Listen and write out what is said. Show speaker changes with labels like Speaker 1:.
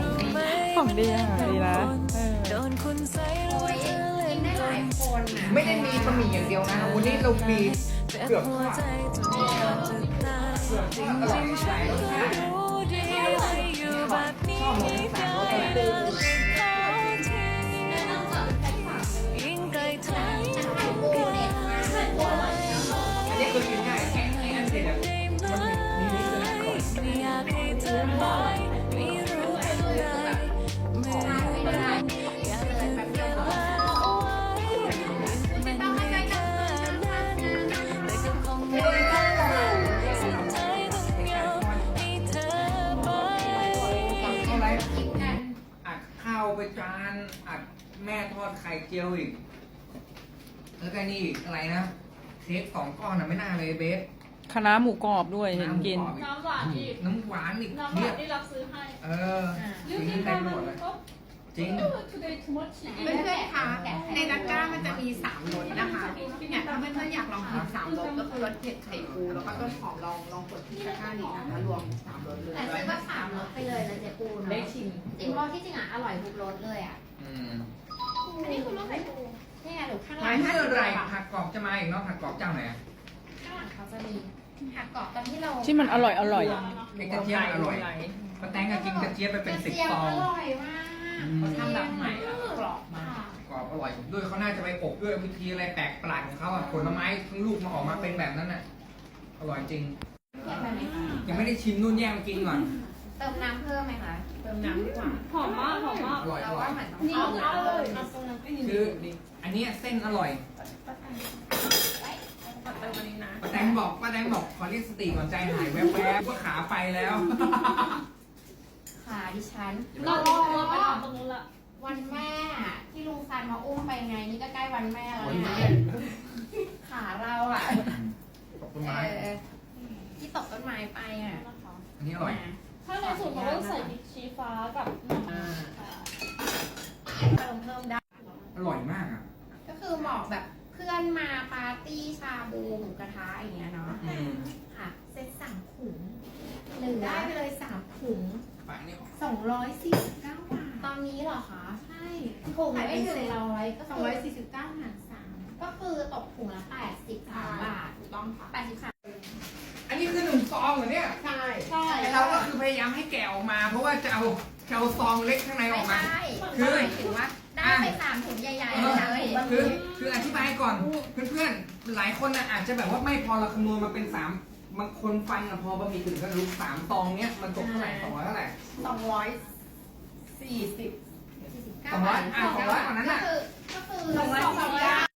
Speaker 1: ของดีอ่ะดีนะ
Speaker 2: โอ้ยกินได้หลายคนอ่ะ
Speaker 3: ไม่ได้มีบะหมี่อย่างเดียวนะวันนี้เรามีเกือบทุกอย่างเกือบทุกอย่างอร่อยหลายรสชาติชอบหมดทั้ง3รสเลยอันนี้คือกินง่ายแค่ไอ้นั่นเสร็จแล้วมันมีนี่คืออร่อยอัดข้าวไปจานอัดแม่ทอดไข่เจียวอีกแล้วก็นี่อีกอะไรนะเค้ก2 ก้อนน่ะไม่น่าเลยเบส
Speaker 1: คณะหมูกรอบด้วยเห็นกิน
Speaker 4: น้ำหวานอีก
Speaker 3: น้ำหวานอีก
Speaker 4: น้ำห
Speaker 3: เนี่
Speaker 4: วาย นที่รับซื้อให้
Speaker 3: จริงเต็มหมดเลยจริง
Speaker 4: today too much
Speaker 2: เพื่อนๆคะในตะกร้ามันจะมี3รสนะคะเนี่ยถ้าเพื่อนๆอยากลองกิน3รสก็คือรสเผ็ดไข่ปูแล้วก็ต้นหอมลองกดที่ตะกร้านี้นะคะรวม3รสเลย
Speaker 5: แต่ซื้อมา3รสไปเลยนะเจ๊ปูเนาะ
Speaker 4: ได้ชิม
Speaker 5: จริงเพราะที่จริงอ่ะอร่อยทุกรสเลยอ่ะ
Speaker 2: อันนี้คือรสไข่ปู
Speaker 5: นี่ไงหนูข้างห
Speaker 3: ห
Speaker 5: ลั
Speaker 3: มาย
Speaker 5: ง
Speaker 3: ถึงอะไรผักกรอบจะมาอีกเนาะผักกรอบเจ้าไหน
Speaker 5: ข้างหลังเขาจะมีผักกรอบตอนที่เรา
Speaker 1: ที่มันอร่อยอ่ะ
Speaker 3: ไอ้กระเจี๊ยบอร่อยป้าแตงก็กินกระเจี๊ยบไปเป็น10 ฟอง
Speaker 5: อร่อยมาก
Speaker 4: เขาทำแบบใหม่แล้วกรอบมาก
Speaker 3: กรอบอร่อยด้วยเขาน่าจะไปอบด้วยวิธีอะไรแปลกประหลาดของเขาผลไม้ทั้งลูกมาออกมาเป็นแบบนั้นน่ะอร่อยจริง
Speaker 5: เผ็ดไหมคะ
Speaker 3: ยังไม่ได้ชิมนู่นแย่งมากินก่อน
Speaker 5: เติมน้ำเพิ่มไหมคะ
Speaker 2: เติมน้ำดีกว่า
Speaker 4: หอมมากหอมมาก
Speaker 3: อร่อยอ
Speaker 5: เรา
Speaker 3: ร่อ
Speaker 5: ว่าย เหมือนต้อง
Speaker 4: นี่
Speaker 5: เอา
Speaker 4: เอาเลย
Speaker 3: คืออันเนี้ยเส้นอร่อย
Speaker 4: เติมอันนี้นะ
Speaker 3: ป้าแตงบอกขอเรียกสติก่อนใจหายแวบๆว่าขาไปแล้ว
Speaker 5: ขาดิฉัน
Speaker 4: เราไปทำตรงนู้นละ
Speaker 5: วันแม่ที่ลุงซันมาอุ้มไปไงนี่ก็ใกล้วันแม่แล้ว
Speaker 3: วัน
Speaker 5: นะ
Speaker 3: แม่
Speaker 5: ขาเราอ่ะ
Speaker 3: ตกต้นไม้
Speaker 5: ที่ตกต้นไม้ไปอ่ะ
Speaker 3: อันนี้อร่อย
Speaker 4: ถ้าในสูตรเขาต้องใส่พริกชี้ฟ้ากับน้ำ
Speaker 5: เติมเพิ่มได้
Speaker 3: อร่อยมากอ่ะ
Speaker 5: ก็คือเหมาะแบบเพื่อนมาปาร์ตี้ชาบูหมูกระทะอย่างเงี้ยเนาะ ค่ะ เซ็ต3 ถุงหนึ่งได้ไปเลย3 ถุง
Speaker 3: ไปนี่ออก
Speaker 2: 249 บาท
Speaker 5: ตอนนี้เหรอคะ
Speaker 2: ใช่
Speaker 5: ถุงไม่ถึง100ก็คือ
Speaker 2: 249หาร3
Speaker 5: ก็คือตกถุงละ83 บาท
Speaker 2: ถูกต้องค่ะ
Speaker 5: 83
Speaker 3: อันนี้คือ1 ซองเหรอเนี่ย
Speaker 2: ใช่
Speaker 4: ใช่
Speaker 3: เราก็คือพยายามให้แกะออกมา เพราะว่าจะเอาซองเล็กข้างในอ
Speaker 5: ไม่
Speaker 3: อกมา
Speaker 5: ใช่
Speaker 3: คือ
Speaker 5: หมายถึงว่าได้ไป3 ถุงใหญ่ๆเลย
Speaker 3: คืออธิบายก่อนเพื่อนๆหลายคนนะอาจจะแบบว่าไม่พอเราคำนวณมาเป็น3บางคนฟังอะพอบะหมี่ถึงก็รู้3 ซองเนี้ยมันตกเท่าไหร่200เท่าไหร่
Speaker 2: 240
Speaker 3: 200 200กว่านั้นน่ะ
Speaker 5: ก็คือ
Speaker 2: 240